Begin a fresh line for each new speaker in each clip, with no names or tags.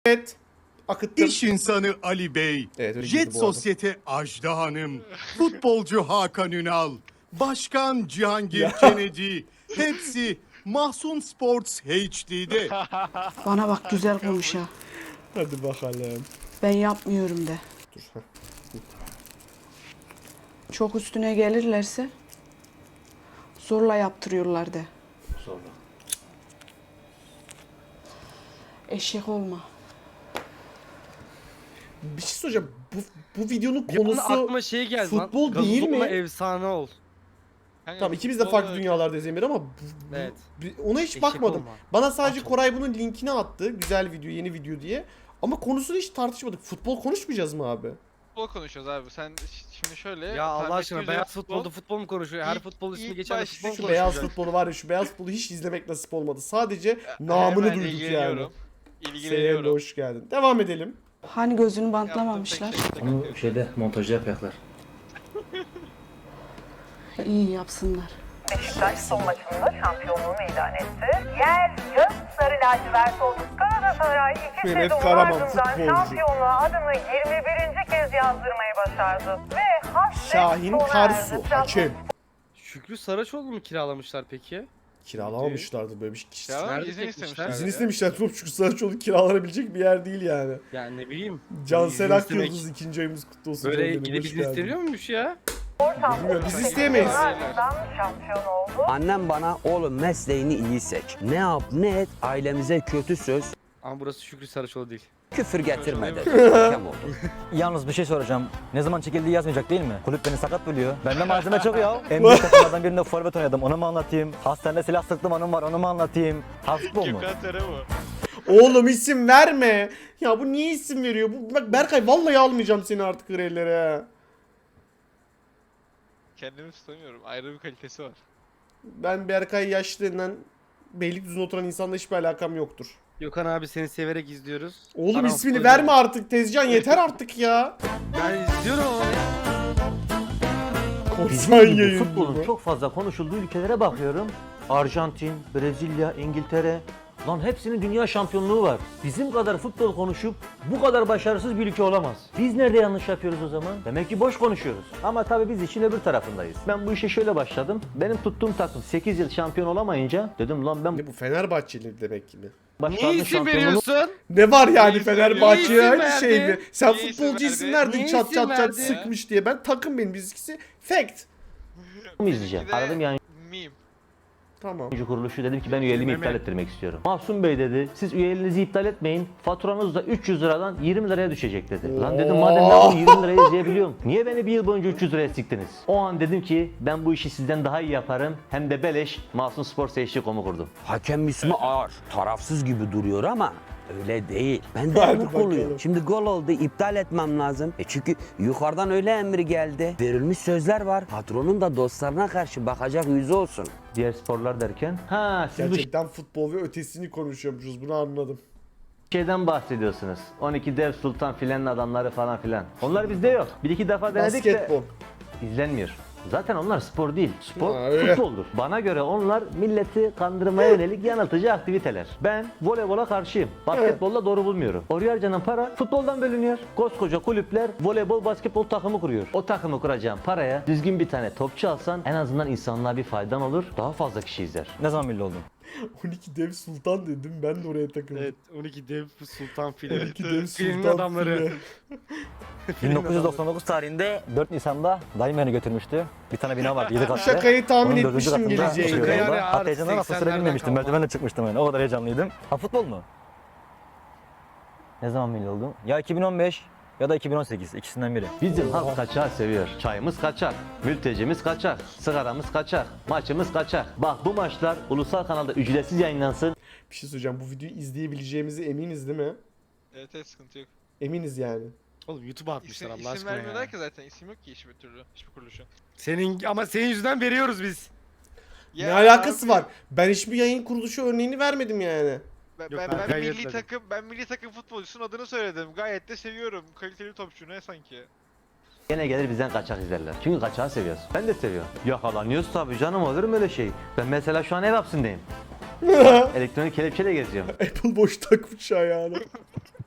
Evet. Akıttım.
İş insanı Ali Bey,
Evet, öyle
Jet
girdi bu arada.
Sosyete Ajda Hanım, futbolcu Hakan Ünal, Başkan Cihangir
Ya.
Kennedy, hepsi Mahsun Sports HD'de.
Bana bak güzel konuş ha.
Hadi bakalım.
Ben yapmıyorum de.
Dur. Heh.
Çok üstüne gelirlerse zorla yaptırıyorlar de.
Sonra.
Eşek olma.
Bir şey soracağım. Bu videonun
Bir anda
konusu
aklıma şey geldi lan.
futbol
Gazoz
değil
olma,
mi?
efsane ol.
Tamam, ikimiz de farklı dünyalardayız Emir ama
Evet.
ona hiç
Eşek
bakmadım.
olma.
Bana sadece
At
Koray bunun linkini attı. Güzel video, yeni video diye. Ama konusunu hiç tartışmadık. Futbol konuşmayacağız mı abi?
Futbol konuşuyoruz abi. Sen şimdi şöyle...
Ya Allah
tahmin
aşkına
ettiğin
beyaz
üzere
futbolda futbol mu konuşuyor? Her
İlk-
futbol ismi
ilk
geçen de
başta
futbol mu
Şu
konuşuyor?
beyaz futbolu var ya, şu beyaz futbolu hiç izlemek nasip olmadı. Sadece namını
Hemen
duyduk yani.
ilgileniyorum.
Seninle
İlgileniyorum.
hoş geldin. Devam edelim.
Hani gözünü
Yaptığım
bantlamamışlar.
tek şey
Onu şeyde montajda yapacaklar.
İyi yapsınlar.
Beşiktaş son maçında şampiyonluğunu ilan etti. Yer gök sarı lacivert oldu. Galatasaray 2
Mehmet
sezon
Karaman,
ardından
futbolcu.
şampiyonluğa adını 21. kez yazdırmayı başardı. Ve hasret
Şahin
sona
Karsu,
erdi.
hakem.
Şükrü Saraçoğlu mu kiralamışlar peki?
Kiralamamışlardı böyle bir şey.
Ya
Nerede
izin
çekmişler?
istemişler.
İzin
ya.
istemişler. Çünkü Saraçoğlu kiralanabilecek bir yer değil yani.
Yani ne bileyim.
Cansel
İzin istemek-
Akyıldız, ikinci ayımız kutlu olsun.
Böyle
canım benim,
gidip
hoş
izin
geldin.
isteniyor muymuş ya?
Bilmiyorum, biz isteyemeyiz.
Ardından şampiyon oldu.
Annem bana oğlum mesleğini iyi seç. Ne yap ne et ailemize kötü söz,
Ama burası Şükrü Saraçoğlu değil.
küfür getirme dedi. Hakem oldu.
Yalnız bir şey soracağım. Ne zaman çekildiği yazmayacak değil mi? Kulüp beni sakat bölüyor. Bende malzeme çok ya. En büyük takımlardan birinde forvet oynadım. Onu mu anlatayım? Hastanede silah sıktım anım var. Onu mu anlatayım? Ha futbol mu?
Gökhan Tere bu.
Oğlum isim verme. Ya bu niye isim veriyor? Bak Berkay, vallahi almayacağım seni artık grellere.
Kendimi tutamıyorum. Ayrı bir kalitesi var.
Ben Berkay yaşlılığından Beylikdüzü'nde oturan insanla hiçbir alakam yoktur.
Gökhan abi seni severek izliyoruz.
Oğlum
Aram
ismini
futbol
verme artık Tezcan, yeter artık ya.
Ben izliyorum ama ya.
Korsan
Bizim gibi
yayın.
futbolun çok fazla konuşulduğu ülkelere bakıyorum. Arjantin, Brezilya, İngiltere. Lan hepsinin dünya şampiyonluğu var. Bizim kadar futbol konuşup bu kadar başarısız bir ülke olamaz. Biz nerede yanlış yapıyoruz o zaman? Demek ki boş konuşuyoruz. Ama tabii biz işin öbür tarafındayız. Ben bu işe şöyle başladım. Benim tuttuğum takım 8 yıl şampiyon olamayınca dedim lan ben
Ne bu, Fenerbahçeli demek mi?
Niye isim veriyorsun?
Ne var yani
İyi
Fenerbahçe'ye
isim
aynı
verdi.
şey mi? Sen
İyi
futbolcu
isim
isim
verdi.
verdin
Niye
çat
isim
çat çat
verdi?
sıkmış diye. Ben takım, benim bizimkisi fact.
mı izleyeceğim?
Benimki de
Aradım yani
Meme.
Tamam.
kuruluşu, dedim ki ben üyeliğimi
Mehmet.
iptal ettirmek istiyorum. Mahsun Bey dedi, siz üyeliğinizi iptal etmeyin, faturanız da 300 liradan 20 liraya düşecek dedi. Lan dedim, madem ben bunu 20 liraya izleyebiliyorum, niye beni bir yıl boyunca 300 liraya siktiniz? O an dedim ki ben bu işi sizden daha iyi yaparım, hem de beleş Mahsun Sports HD.com'u kurdum.
Hakem ismi ağır, tarafsız gibi duruyor ama öyle değil. Ben de
Hadi
emir
bakalım.
oluyor. Şimdi gol oldu, iptal etmem lazım. Çünkü yukarıdan öyle emir geldi. Verilmiş sözler var. Patronun da dostlarına karşı bakacak yüzü olsun.
Diğer sporlar derken, ha siz bu
Gerçekten futbol ve ötesini konuşuyormuşuz, bunu anladım.
şeyden bahsediyorsunuz. 12 dev sultan filanın adamları falan filan. Onlar bizde yok. Bir iki defa denedik
Basketbol.
de izlenmiyor. Zaten onlar spor değil. Spor
Ha, öyle.
futboldur. Bana göre onlar milleti kandırmaya yönelik yanıltıcı aktiviteler. Ben voleybola karşıyım. Basketbolla doğru bulmuyorum. Oraya harcanan para futboldan bölünüyor. Koskoca kulüpler voleybol, basketbol takımı kuruyor. O takımı kuracağım paraya düzgün bir tane topçu alsan en azından insanlığa bir faydan olur. Daha fazla kişi izler. Ne zaman milli oldun?
12 dev sultan dedim, ben de oraya takıldım.
Evet 12 dev sultan filmi.
12 dev
Filmin
sultan
adamları.
file.
1999 tarihinde 4 Nisan'da dayım beni götürmüştü. Bir tane bina vardı 7
Bu
katlı.
şakayı tahmin
Onun dördüncü
etmiştim
katında
geleceğini.
oturuyordum
Yani
orada. Hatta
artık
heyecandan nasıl
80'lerden
sürebilmemiştim.
kalma.
Merdivenle çıkmıştım yani. O kadar heyecanlıydım. Ha futbol mu? Ne zaman milli oldum? Ya 2015 ya da 2018, ikisinden biri. Bizim halk kaçağı seviyor. Çayımız kaçak, mültecimiz kaçak, sigaramız kaçak, maçımız kaçak. Bak bu maçlar ulusal kanalda ücretsiz yayınlansın.
Bir şey söyleyeceğim, bu videoyu izleyebileceğimize eminiz değil mi?
Evet evet, sıkıntı yok.
Eminiz yani.
Oğlum YouTube'a atmışlar
İsim,
Allah
isim
aşkına
vermiyorlar
ya.
ki zaten. İsim yok ki hiçbir türlü. Hiçbir kuruluşun.
Ama senin yüzünden veriyoruz biz.
Ne alakası var? Ben hiçbir yayın kuruluşu örneğini vermedim yani.
Ben,
Yok,
ben,
ben
ben
gayet
milli
etmedim.
takım milli takım futbolcusunun adını söyledim. Gayet de seviyorum. Kaliteli topçu ne sanki.
Gene gelir bizden kaçak izlerler. Çünkü kaçağı seviyoruz. Ben de seviyorum. Yakalanıyoruz tabii canım, olur mu öyle şey? Ben mesela şu an ev hapsindeyim. Elektronik kelepçeyle geziyorum.
Apple boş takmış ayağını.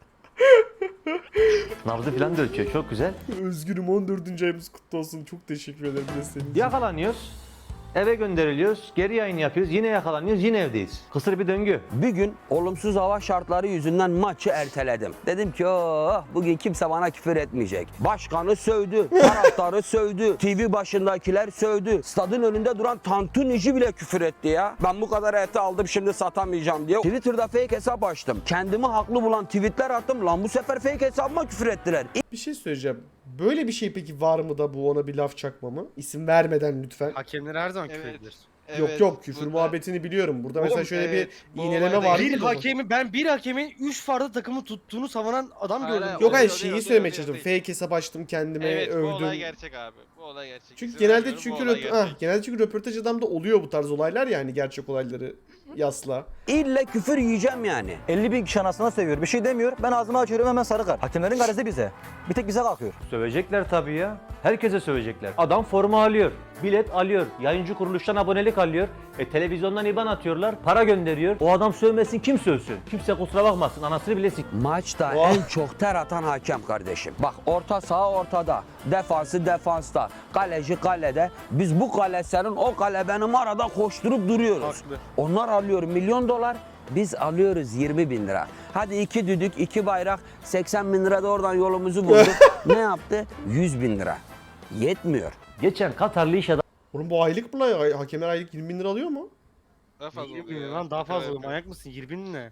Nabzı falan da ölçüyor. Çok güzel.
Özgürüm 14. ayımız kutlu olsun. Çok teşekkür ederim de senin için.
Yakalanıyoruz. Eve gönderiliyoruz. Geri yayın yapıyoruz. Yine yakalanıyoruz. Yine evdeyiz. Kısır bir döngü.
Bir gün olumsuz hava şartları yüzünden maçı erteledim. Dedim ki oh, bugün kimse bana küfür etmeyecek. Başkanı sövdü, taraftarı sövdü, TV başındakiler sövdü. Stadın önünde duran tantunici bile küfür etti ya. Ben bu kadar eti aldım şimdi satamayacağım diye. Twitter'da fake hesap açtım. Kendimi haklı bulan tweetler attım. Lan bu sefer fake hesabıma küfür ettiler.
Bir şey söyleyeceğim. Böyle bir şey peki var mı da bu ona bir laf çakma mı? İsim vermeden lütfen.
Hakemler her zaman küfür
Evet.
edilir.
Yok yok küfür muhabbetini biliyorum. Burada mesela
Oğlum,
şöyle
evet,
bir
bu
iğneleme
olayda
var.
Bir
değil
ben bir hakemin 3 farklı takımı tuttuğunu savunan adam
Hayır,
gördüm.
hayır,
Yok hayır
o değil,
şeyi
o değil,
söylemeye
o değil,
çalıştım.
o değil.
Fake hesap açtım kendime
Evet bu olay
övdüm.
gerçek abi. Bu olay gerçek.
Çünkü
İzin
genelde
vermiyorum, bu
çünkü
olay gerçek.
genelde çünkü röportaj adamda oluyor bu tarz olaylar ya hani gerçek olayları yasla.
İlle küfür yiyeceğim yani.
50 bin kişi anasına seviyor. Bir şey demiyor. Ben ağzımı açıyorum hemen sarı kart. Hakemlerin garezi bize. Bir tek bize kalkıyor.
Sövecekler tabii ya. Herkese sövecekler. Adam forma alıyor. Bilet alıyor. Yayıncı kuruluştan abonelik alıyor. Televizyondan IBAN atıyorlar. Para gönderiyor. O adam sövmesin kim sövsün? Kimse kusura bakmasın. Anasını bile sik.
Maçta
Oh.
en çok ter atan hakem kardeşim. Bak orta saha ortada, defansı defansta, kaleci kalede. Biz bu kale senin, o kale benim arada koşturup duruyoruz.
Haklı.
Onlar alıyor $1 milyon, biz alıyoruz 20 bin lira. Hadi 2 düdük, 2 bayrak, 80 bin lira da oradan yolumuzu bulduk. Ne yaptı? 100 bin lira. Yetmiyor.
Geçen Katarlı iş
Oğlum bu aylık mı lan? Hakemler aylık 20 bin lira alıyor mu?
Daha fazla
20
oluyor
bin
ya.
lan daha fazla
Evet,
olur. Manyak mısın? 20 bin ne?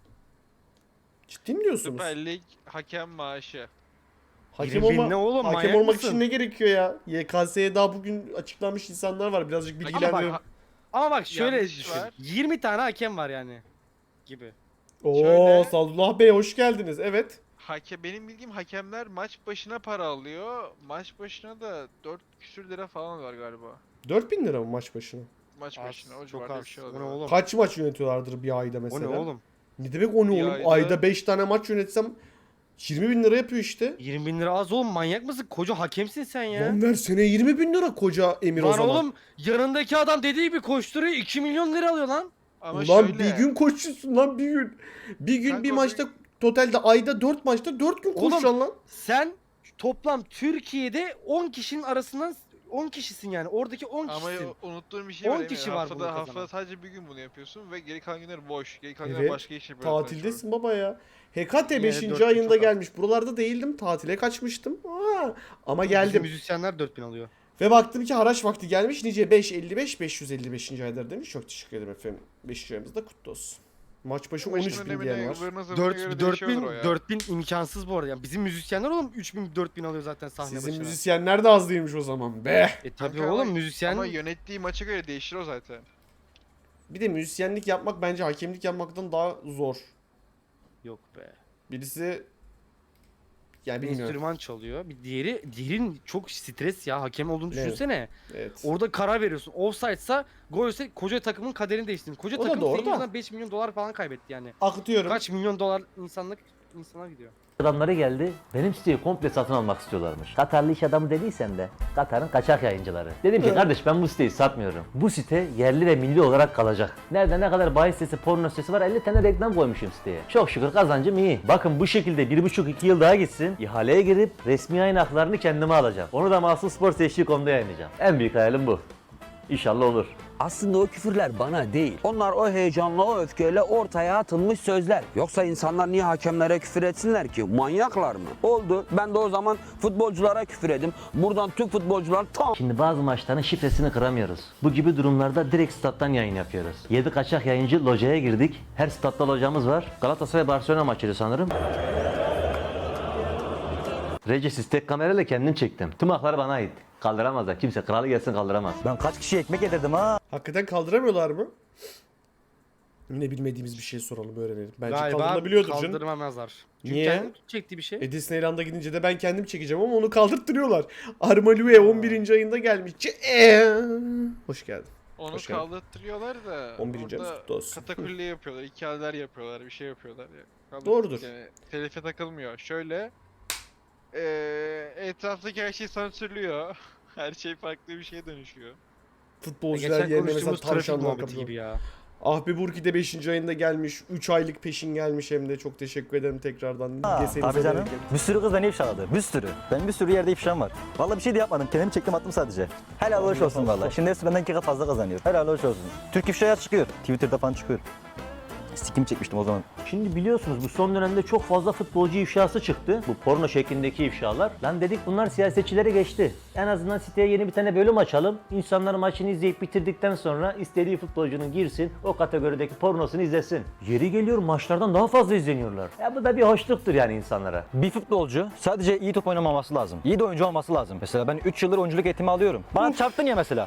Ciddi mi diyorsunuz?
Süper Lig hakem maaşı.
Hakem
20 bin
olma,
ne oğlum,
hakem
manyak
olmak
mısın?
için ne gerekiyor ya? YKS'ye daha bugün açıklanmış insanlar var. Birazcık
Ama
bilgilendirelim.
bak, ama bak şöyle
Yanlış
düşün.
var.
20 tane hakem var yani. Gibi.
Oo
Şöyle-
Sadullah Bey hoş geldiniz. Evet.
Benim bildiğim hakemler maç başına para alıyor. Maç başına da 4 küsür lira falan var galiba.
4000 lira mı maç başına?
Maç başına o
Az, çok
civarda bir
az.
şey
O ne
oluyor.
oğlum?
Kaç maç yönetiyorlardır bir ayda
O
mesela?
ne oğlum?
Ne demek o ne
Bir
oğlum?
ayda-
Ayda 5 tane maç yönetsem 20 bin lira yapıyor işte.
20 bin lira az oğlum, manyak mısın? Koca hakemsin sen ya.
Lan ver seneye 20 bin lira koca Emir o
Lan
zaman.
oğlum yanındaki adam dediği gibi koşturuyor 2 milyon lira alıyor lan.
Ama
Ulan
şöyle,
bir gün koşuyorsun lan bir gün. Bir gün
Kanka
bir
o
maçta totalde ayda 4 maçta 4 gün
Oğlum,
koşacaksın lan.
Sen toplam Türkiye'de 10 kişinin arasından 10 kişisin yani. Oradaki 10
ama
kişisin.
unuttuğum bir şey
10
var. Emir.
kişi var bunu
Haftada
kazanan.
sadece bir gün bunu yapıyorsun ve geri kalan günler boş. Geri kalan günler
Evet,
başka iş yapıyorsun.
Tatildesin baba ya. Hekate
Yine
5.
4 gün
ayında
çok az.
gelmiş. Buralarda değildim. Tatile kaçmıştım. Ama
Bizim
geldim.
müzisyenler 4000 alıyor.
Ve baktım ki haraç vakti gelmiş. Nice 555 555. aydır demiş. Çok teşekkür ederim efendim. 5. ayımız da kutlu olsun. Maç başı 13 bin diyen var.
4000 imkansız bu arada. Yani bizim müzisyenler oğlum 3000 4000 alıyor zaten sahne
Sizin
başına.
müzisyenler de az değilmiş o zaman be.
Tabii
Kanka
oğlum
ama-
müzisyen
Ama yönettiği maça göre değişir o zaten.
Bir de müzisyenlik yapmak bence hakemlik yapmaktan daha zor.
yok be.
Birisi yani bilmiyorum.
Enstrüman çalıyor. Bir diğerin çok stres ya. Hakem olduğunu
Evet.
düşünsene.
Evet.
Orada karar veriyorsun. Offside'sa golse koca takımın kaderini değiştirdin. Koca
O da
takım
doğru
senin
da.
yüzünden 5 milyon dolar falan kaybetti yani.
Akıtıyorum.
Kaç milyon dolar insana gidiyor.
adamları geldi. Benim siteyi komple satın almak istiyorlarmış. Katarlı iş adamı dediysen de Katar'ın kaçak yayıncıları. Dedim ki kardeş ben bu siteyi satmıyorum. Bu site yerli ve milli olarak kalacak. Nerede ne kadar bahis sitesi, porno sitesi var 50 tane reklam koymuşum siteye. Çok şükür kazancım iyi. Bakın bu şekilde 1,5-2 yıl daha gitsin. İhaleye girip resmi yayın haklarını kendime alacağım. Onu da Mahsus Spor Seçki.com'da yayınlayacağım. En büyük hayalim bu. İnşallah olur.
Aslında o küfürler bana değil. Onlar o heyecanla, o öfkeyle ortaya atılmış sözler. Yoksa insanlar niye hakemlere küfür etsinler ki? Manyaklar mı? Oldu. Ben de o zaman futbolculara küfür edeyim. Buradan tüm futbolcular tam...
Şimdi bazı maçların şifresini kıramıyoruz. Bu gibi durumlarda direkt stat'tan yayın yapıyoruz. 7 kaçak yayıncı locaya girdik. Her statta locamız var. Galatasaray Barcelona maçıydı sanırım. Regis tek kamerayla kendim çektim. Tüm haklar bana ait. Kaldıramazlar. Kimse kralı gelsin kaldıramaz.
Ben kaç kişi ekmek yedirdim ha.
Hakikaten kaldıramıyorlar mı? Yine bilmediğimiz bir şey soralım öğrenelim. Bence
Galiba
kaldırılabiliyordur canım.
kaldırmamazlar. Çünkü
Niye?
kendim çektiği bir şey.
Disneyland'a gidince de ben kendim çekeceğim ama onu kaldırttırıyorlar. Armalue 11. ayında gelmiş. Hoş geldin.
Onu
Hoş geldin.
kaldırtıyorlar da
11. ayımız
orada
kutlu olsun.
katakulli yapıyorlar, hikayeler yapıyorlar, bir şey yapıyorlar ya.
Doğrudur.
Yani, telife takılmıyor. Şöyle etraftaki her şey sansürlüyor. Her şey farklı bir şeye dönüşüyor.
Futbolcular
Geçen
yerine mesela
konuştuğumuz trafik
tavşanlar
muhabbeti
kapıyor.
gibi ya.
Ahbi Burki de 5. ayında gelmiş. 3 aylık peşin gelmiş hem de. Çok teşekkür ederim tekrardan. Gesenize
Tabii canım.
bereket.
Bir sürü kız beni ifşaladı. Bir sürü. Benim bir sürü yerde ifşam var. Vallahi bir şey de yapmadım. Kendimi çektim attım sadece. Helal hoş olsun vallahi. Şimdi hepsi benden 2 kat fazla kazanıyor. Helal hoş olsun. Türk ifşaya çıkıyor. Twitter'da falan çıkıyor. Sikim çekmiştim o zaman.
Şimdi biliyorsunuz bu son dönemde çok fazla futbolcu ifşası çıktı. Bu porno şeklindeki ifşalar. Lan dedik bunlar siyasetçilere geçti. En azından siteye yeni bir tane bölüm açalım. İnsanlar maçını izleyip bitirdikten sonra istediği futbolcunun girsin, o kategorideki pornosunu izlesin. Yeri geliyor maçlardan daha fazla izleniyorlar. Ya bu da bir hoşluktur yani insanlara.
Bir futbolcu sadece iyi top oynamaması lazım. İyi de oyuncu olması lazım. Mesela ben 3 yıldır oyunculuk eğitimi alıyorum. Bana çarptın ya mesela.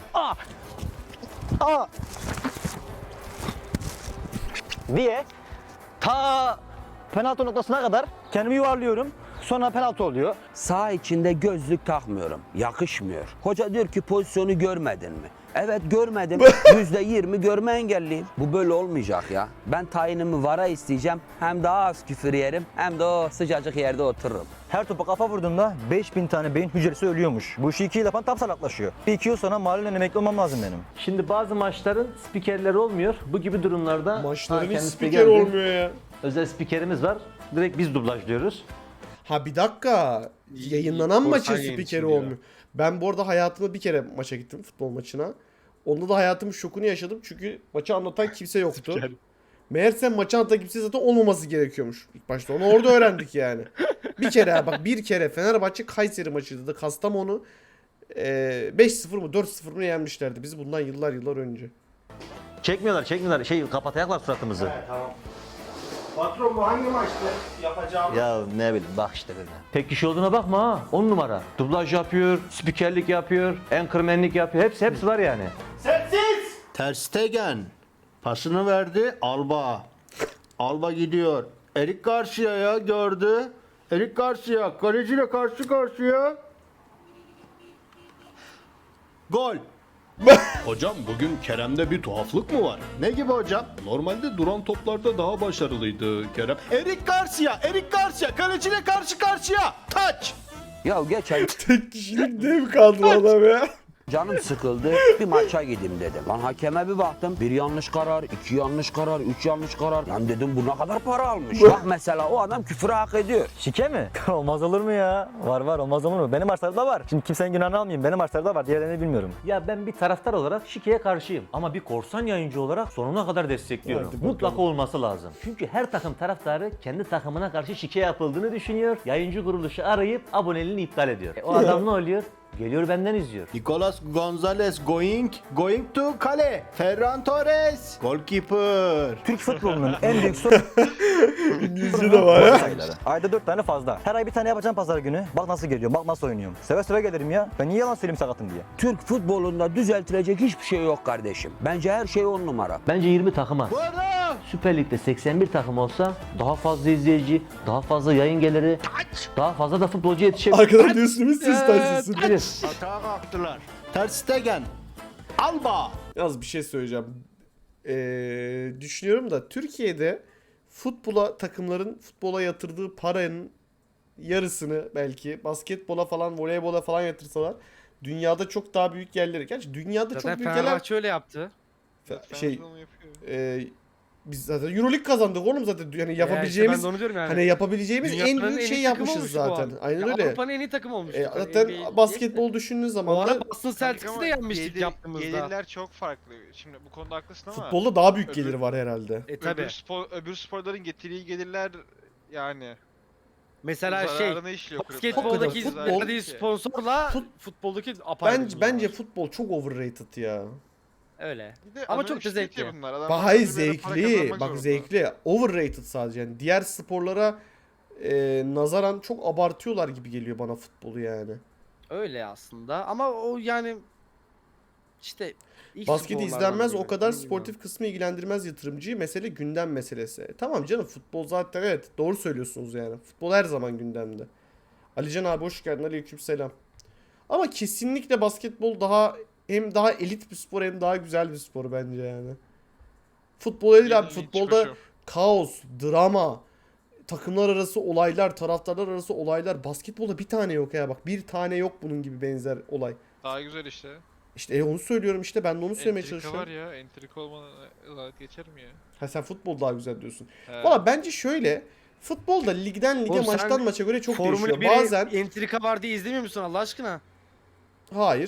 Diye ta penaltı noktasına kadar kendimi yuvarlıyorum. Sonra penaltı oluyor.
Sağ içinde gözlük takmıyorum. Yakışmıyor. Hoca diyor ki pozisyonu görmedin mi? Evet görmedim. %20 görme engelliyim. Bu böyle olmayacak ya. Ben tayinimi VAR'a isteyeceğim. Hem daha az küfür yerim hem de o sıcacık yerde otururum.
Her topa kafa vurduğumda 5000 tane beyin hücresi ölüyormuş. Bu işi 2 yıl yapan tam salaklaşıyor. Bir 2 yıl sonra mahallen emekli olmam lazım benim.
Şimdi bazı maçların spikerleri olmuyor. Bu gibi durumlarda
Maçların hiç
kendisi de
spiker
geldi.
olmuyor ya.
Özel spikerimiz var. Direkt biz dublajlıyoruz.
Ha bir dakika. Yayınlanan maçın
korsan
spikeri
yayıncı
olmuyor. Ben bu arada hayatımda bir kere maça gittim, futbol maçına. Onda da hayatımın şokunu yaşadım çünkü maçı anlatan kimse yoktu. Meğerse maçı anlatan kimse zaten olmaması gerekiyormuş ilk başta. Onu orada öğrendik yani. Bir kere bak, bir kere Fenerbahçe Kayseri maçıydı da Kastamonu 5-0 mı 4-0 mı yenmişlerdi bizi bundan yıllar önce.
Çekmiyorlar. Kapatayaklar suratımızı.
Patron bu hangi maçtı yapacağım?
Ya ne bileyim bak işte böyle.
Tek kişi olduğuna bakma ha. 10 numara. Dublaj yapıyor, spikerlik yapıyor, anchormanlik yapıyor. Hepsi var yani.
Ter Stegen pasını verdi Alba. Alba gidiyor. Erik Garcia'ya gördü. Erik Garcia kaleciyle karşı karşıya. Gol.
Hocam bugün Kerem'de bir tuhaflık mı var?
Ne gibi hocam?
Normalde duran toplarda daha başarılıydı Kerem.
Erik Garcia kaleciyle karşı karşıya. Taç.
Ya geçen
Tek kişilik dev kaldı adam ya.
canım sıkıldı. Bir maça gideyim dedim. Lan hakeme bir baktım. Bir yanlış karar, 2 yanlış karar, 3 yanlış karar. Lan dedim bu ne kadar para almış. Bak mesela o adam küfürü hak ediyor.
Şike mi? Olmaz olur mu ya? Var olmaz olur mu? Benim maçlarda var. Şimdi kimsenin günahını almayayım. Benim maçlarda var. Diğerlerini bilmiyorum.
Ya ben bir taraftar olarak şikeye karşıyım. Ama bir korsan yayıncı olarak sonuna kadar destekliyorum.
Hadi bakalım.
Mutlaka olması lazım. Çünkü her takım taraftarı kendi takımına karşı şike yapıldığını düşünüyor. Yayıncı kuruluşu arayıp aboneliğini iptal ediyor. O adam ne oluyor? Geliyor benden izliyor.
Nicolas Gonzalez going to kale. Ferran Torres goalkeeper.
Türk futbolunun en büyük sorunu
İngilizce de var ya.
sayıları. Ayda 4 tane fazla. Her ay bir tane yapacağım pazar günü. Bak nasıl geliyorum, bak nasıl oynuyorum. Seve seve gelirim ya. Ben niye yalan söyleyeyim sakatım diye.
Türk futbolunda düzeltilecek hiçbir şey yok kardeşim. Bence her şey 10 numara.
Bence 20 takıma.
Bu arada
Süper Lig'de 81 takım olsa daha fazla izleyici, daha fazla yayın geliri, daha fazla da futbolcu yetişebilir.
Arkadan diyorsun biz siz taşısın.
hata kalktılar. Ter Stegen. Alba.
Yalnız bir şey söyleyeceğim. Düşünüyorum da Türkiye'de takımların futbola yatırdığı paranın yarısını belki basketbola falan, voleybola falan yatırsalar dünyada çok daha büyük yerlere. Gerçi dünyada
Zaten
çok büyük yerler
Fenerbahçe öyle yaptı.
şey
Fenerbahçe onu yapıyor.
biz zaten EuroLeague kazandık oğlum zaten yani
Ya işte
yapabileceğimiz
ben de onu diyorum yani.
hani yapabileceğimiz en
Dünyanın
büyük
en
şey
iyi takımı
yapmışız
olmuştu bu
zaten.
an.
Aynen
Ya
öyle.
Avrupa'nın en iyi takımı olmuştu.
Zaten
NBA
basketbol düşündüğün
O
zaman da
ara Boston Celtics'i
Ama
de yenmiştik
gelir-
yaptığımızda.
Gelirler çok farklı. Şimdi bu konuda haklısın ama
futbolda daha büyük
öbür-
gelir var herhalde.
Tabii.
öbür sporların getirdiği gelirler yani
Mesela
zararına işliyor kulüpler.
basketboldaki
Hakikaten futbol-
verdiği sponsorla futboldaki apayrı bir
Bence
var.
futbol çok overrated ya.
Öyle.
Bir de
Ama
anonim
çok da
şirket
zevkli.
ya bunlar. Adamlar
Bak hayır
kulüplere para
zevkli.
kazanmak
Bak
zorunda.
zevkli. Overrated sadece. Yani diğer sporlara nazaran çok abartıyorlar gibi geliyor bana futbolu yani.
Öyle aslında ama o yani işte ilk
Basket
sporlardan
izlenmez
biri.
o kadar
Dediğim gibi.
sportif kısmı ilgilendirmez yatırımcıyı. Mesele gündem meselesi. Tamam canım futbol zaten evet doğru söylüyorsunuz yani. Futbol her zaman gündemde. Alican abi hoş geldin. Aleykümselam. Ama kesinlikle basketbol hem daha elit bir spor hem daha güzel bir spor bence yani. Futbol değil abi.
Yeni
Futbolda
çıkışı.
kaos, drama, takımlar arası olaylar, taraftarlar arası olaylar. Basketbolda bir tane yok ya bak. Bir tane yok bunun gibi benzer olay.
Daha güzel işte.
İşte onu söylüyorum işte, ben de onu söylemeye
Entrika
çalışıyorum.
var ya. Entrika olmadan geçer mi ya?
Ha sen futbol daha güzel diyorsun.
He.
Valla bence şöyle, futbolda ligden lige,
Oğlum sen
maçtan maça göre çok
Formula
değişiyor.
1'e
Bazen
entrika var diye izlemiyor musun Allah aşkına?
hayır.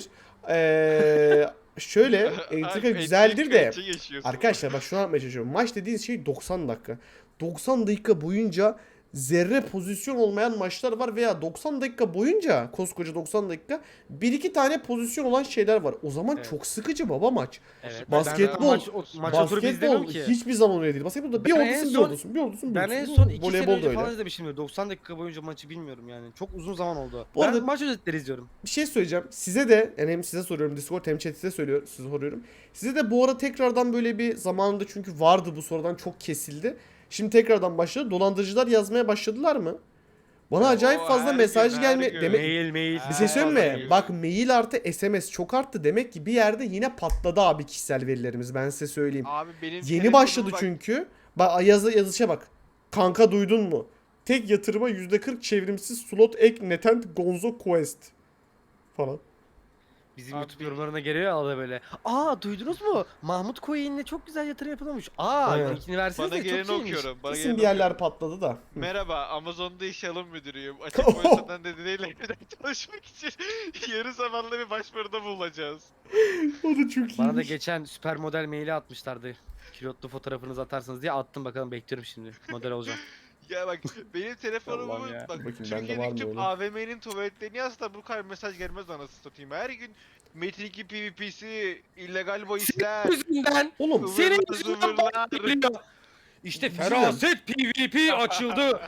Şöyle entrika
Abi,
güzeldir de
içi yaşıyorsun.
arkadaşlar bak şunu anlatmaya çalışıyorum. Maç dediğiniz şey 90 dakika. 90 dakika boyunca zerre pozisyon olmayan maçlar var veya 90 dakika boyunca, koskoca 90 dakika, bir iki tane pozisyon olan şeyler var. O zaman
Evet.
çok sıkıcı baba maç.
Evet.
Basketbol,
Maç oturup izlemiyorum
Basketbol
ki.
hiçbir zaman öyle değil. Basketbolda bir
Ben
olursun,
en
bir
son-
olursun, bir olursun, bir
Ben en
olursun.
son 2 sene
Voleybol da
önce
öyle.
falan izlemişim. 90 dakika boyunca maçı bilmiyorum yani. Çok uzun zaman oldu.
Bu
Ben
arada-
maç özetleri izliyorum.
Bir şey söyleyeceğim. Size de, yani hem size soruyorum Discord hem chat'e size soruyorum. Size de bu ara tekrardan böyle bir zamanında, çünkü vardı bu sonradan çok kesildi. Şimdi tekrardan başladı. Dolandırıcılar yazmaya başladılar mı? Bana acayip
Oo,
fazla
her
mesaj
gün,
gelme
her gün.
demek.
Mail.
Bir şey söyleyeyim mi?
Mail.
Bak mail artı SMS çok arttı. Demek ki bir yerde yine patladı abi kişisel verilerimiz. Ben size söyleyeyim.
Abi benim
Yeni
telefonum
başladı
bak-
çünkü. Bak yazışa bak. Kanka duydun mu? Tek yatırıma %40 çevrimsiz slot ek netent Gonzo Quest falan.
Bizim
Abi
YouTube yorumlarına geliyor ya arada böyle. Aa duydunuz mu? Mahmut Coin'le çok güzel yatırım yapılmış. Aa
Aynen.
linkini verseniz
Bana
de çok
geleni
iyiymiş.
okuyorum. Bana
Kesin
geleni
bir yerler
okuyorum.
patladı da. Hı.
Merhaba, Amazon'da iş alım müdürüyüm. Açık borsadan dediğiyle çalışmak için yarı zamanlı bir başvuruda bulunacağız.
O da çok iyi.
Bana da geçen süper model maili atmışlardı. Kilotlu fotoğrafınızı atarsınız diye attım, bakalım bekliyorum şimdi. Model olacağım.
Ya bak benim telefonumu
Allah'ım ya.
bak
Bakayım bende var
Türkiye'deki
mı
tüm
öyle?
AVM'nin tuvaletlerini yazsa bu kadar mesaj gelmez anasını satayım. Her gün Metin 2 PvP'si, illegal bahisler,
Yüzünden
Oğlum
senin
ıvırlar
yüzünden
zıvırlar.
geliyor. İşte
Güzel.
feraset PvP açıldı.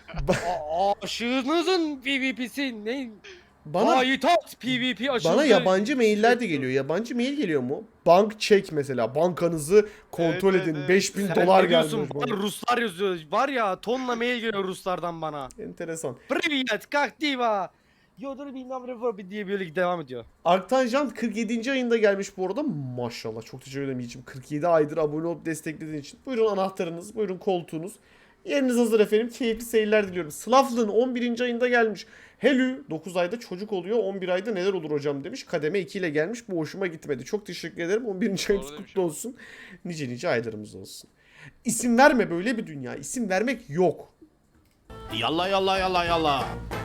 Aşığınızın PvP'si ne?
bana
Hayitat PvP açıldı.
bana yabancı mailler de geliyor. Yabancı mail geliyor mu? Bank çek mesela. Bankanızı kontrol
Evet,
edin.
evet.
5000
Sen
dolar
ne diyorsun?
gelmiş bana.
Ruslar yazıyor. Var ya tonla mail geliyor Ruslardan bana.
Enteresan.
Привет, как дела? Yodur'u bilmem ne diye böyle devam ediyor.
Arktanjan 47. ayında gelmiş bu arada. Maşallah. Çok teşekkür ederim Yiğit'ciğim. 47 aydır abone olup desteklediğin için. Buyurun anahtarınız. Buyurun koltuğunuz. Yeriniz hazır efendim. Keyifli seyirler diliyorum. Slavlın 11. ayında gelmiş. Helü 9 ayda çocuk oluyor. 11 ayda neler olur hocam demiş. Kademe 2 ile gelmiş. Bu hoşuma gitmedi. Çok teşekkür ederim. 11. ayımız
demiş
kutlu olsun. Nice nice aylarımız olsun. İsim verme, böyle bir dünya. İsim vermek yok.
Yalla yalla yalla yalla.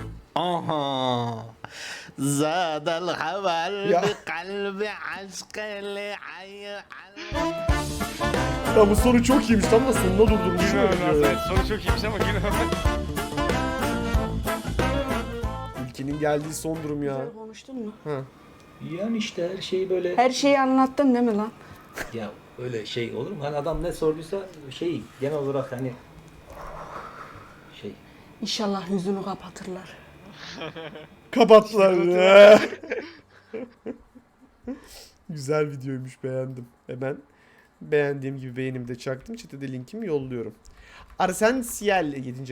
Aha. Zadal haval
Ya.
bi kalbi aşkı
Ya bu soru çok iyiymiş. Tam da sonuna durdurmuşum. öyle.
Soru çok iyiymiş ama girmem.
Ülkenin geldiği son durum ya.
Güzel konuştun mu?
Ha.
Yani işte her şeyi böyle
Her şeyi anlattın değil mi lan?
ya öyle şey olur mu? Hani adam ne sorduysa şey genel olarak hani şey
İnşallah yüzünü kapatırlar.
Kapattılar. Güzel videoymuş, beğendim. Hemen beğendiğim gibi beğenimi de çaktım. Chat'e de linkimi yolluyorum. Arsensiel 7.